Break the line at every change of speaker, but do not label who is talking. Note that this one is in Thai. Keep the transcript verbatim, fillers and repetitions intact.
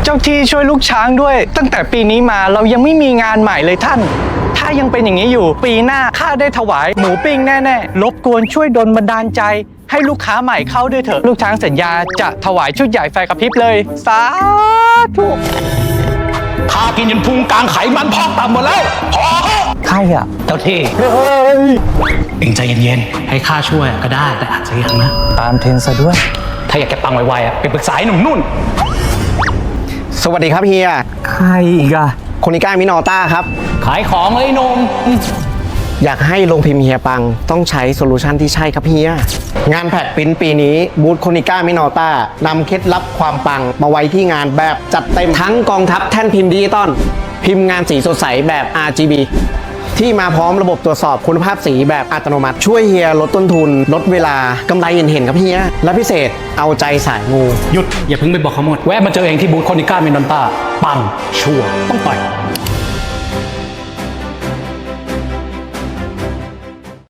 เจ้าที่ช่วยลูกช้างด้วย ตั้งแต่ปีนี้มาเรายังไม่มีงานใหม่เลยท่านถ้ายังเป็นอย่างนี้อยู่ปีหน้าข้าได้ถวายหมูปิ้งแน่ๆรบกวนช่วยดลบันดาลใจให้ลูกค้าใหม่เข้าด้วยเถอะลูกช้างสัญญาจะถวายชุดใหญ่ไฟกระพริบเลยสาธุ
ข้ากินจนพุงกลางไขมันพอกต่ำหมดแล้วพอเถอะ
ใครอ่ะ
เจ้าที่เอ็งใจเย็นๆให้ข้าช่วยก็ได้แต่อาจจะยังนะ
ตามเทรนซะด้วย
ถ้าอยากจะปังไวๆอ่ะไปปรึกษาไอ้หนุ่มนุ่น
สวัสดีครับเฮีย
ใครอีกอะ
โคนิก้ามินอต้าครับ
ขายของเลยหนุ่ม
อยากให้ลงพิมพ์เฮียปังต้องใช้โซลูชันที่ใช่ครับเฮีย งานแพดปริ้นปีนี้บูธโคนิก้ามินอต้านำเคล็ดลับความปังมาไว้ที่งานแบบจัดเต็มทั้งกองทัพแท่นพิมพ์ดิจิตอลพิมพ์งานสีสดใสแบบ อาร์ จี บี ที่มาพร้อมระบบตรวจสอบคุณภาพสีแบบอัตโนมัติ ช่วยเฮียลดต้นทุน ลดเวลากำไรเห็นเห็นๆครับเฮีย และพิเศษเอาใจสายงู
หยุดอย่าเพิ่งไปบอกเขาหมดแวะมาเจอเองที่บูธคอนิก้าเมนดอนต้าปังชัวร์ต้องต่อย